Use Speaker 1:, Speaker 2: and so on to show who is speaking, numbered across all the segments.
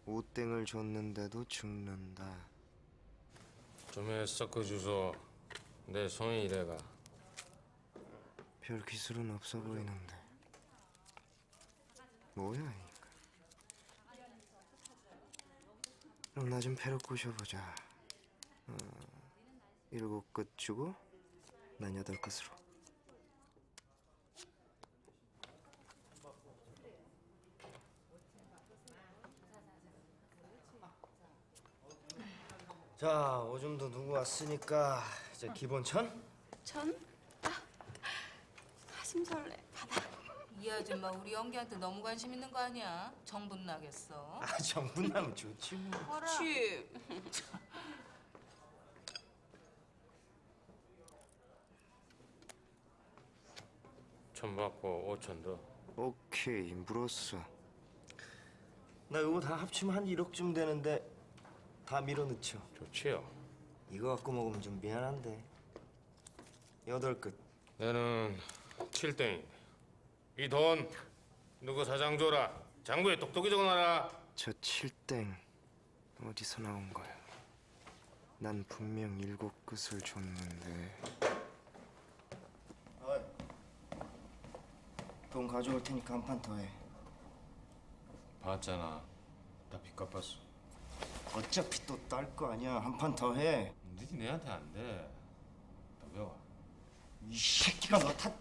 Speaker 1: 오땡을 줬는데도 죽는다.
Speaker 2: 좀에 섞어 주소. 내 손이 이래가.
Speaker 1: 별 기술은 없어 보이는데. 뭐야 이거. 그럼 나 좀 패로 꼬셔보자. 7끝 주고 난 8끝으로. 자, 오줌도 누구 왔으니까 이제 기본 1,000?
Speaker 3: 천? 심설레 받아.
Speaker 4: 이 아줌마 우리 연기한테 너무 관심 있는 거 아니야? 정분 나겠어.
Speaker 1: 정분 나면 좋지 뭐.
Speaker 3: 취.
Speaker 2: 천 받고 5천 더.
Speaker 1: 오케이, 물었어.
Speaker 5: 나 이거 다 합치면 한 1억쯤 되는데 다 밀어넣죠.
Speaker 2: 좋지요.
Speaker 5: 이거 갖고 먹으면 좀 미안한데 8끝.
Speaker 2: 내는 7땡. 이 돈 누구 사장 줘라. 장부에 똑똑히 적어놔라.
Speaker 1: 저 7땡 어디서 나온 거야? 난 분명 7끝을 줬는데.
Speaker 5: 돈 가져올 테니까 한 판 더 해.
Speaker 2: 봤잖아. 다 빚갚았어.
Speaker 5: 어차피 또 딸 거 아니야. 한 판 더 해.
Speaker 2: 니지 내한테 안 돼. 더 배워.
Speaker 5: 이 새끼가 너 탓.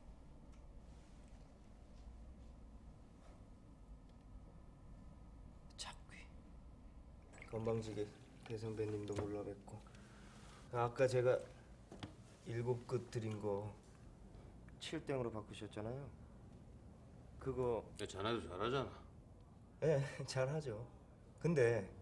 Speaker 5: 잡귀. 건방지게 대선배님도 몰라 뵙고. 아까 제가 7끝 드린 거 7땡으로 바꾸셨잖아요. 그거
Speaker 2: 내 자네도 잘하잖아.
Speaker 5: 예, 잘하죠. 근데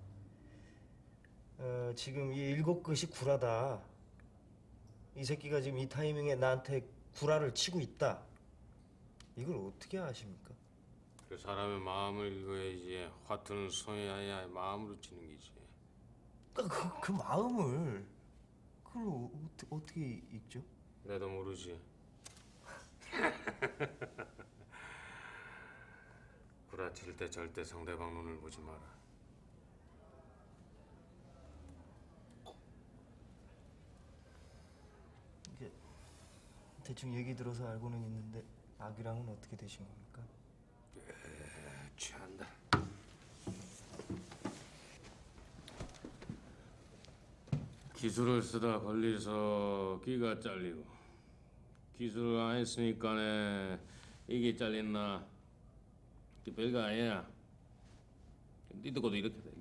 Speaker 5: 지금 이 7끝이 구라다. 이 새끼가 지금 이 타이밍에 나한테 구라를 치고 있다. 이걸 어떻게 아십니까?
Speaker 2: 그 사람의 마음을 읽어야지. 화투는 손이 아니야 마음으로 치는 기지.
Speaker 5: 그 마음을 그걸 어떻게 읽죠?
Speaker 2: 내도 모르지. 구라칠 때 절대 상대방 눈을 보지 마라.
Speaker 5: 이게 대충 얘기 들어서 알고는 있는데 아기랑은 어떻게 되신 겁니까?
Speaker 2: 취한다. 기술을 쓰다 걸려서 귀가 잘리고 기술을 안 했으니까네 이게 잘렸나? 그 별거 아니야. 니 듣고도 이렇게 돼.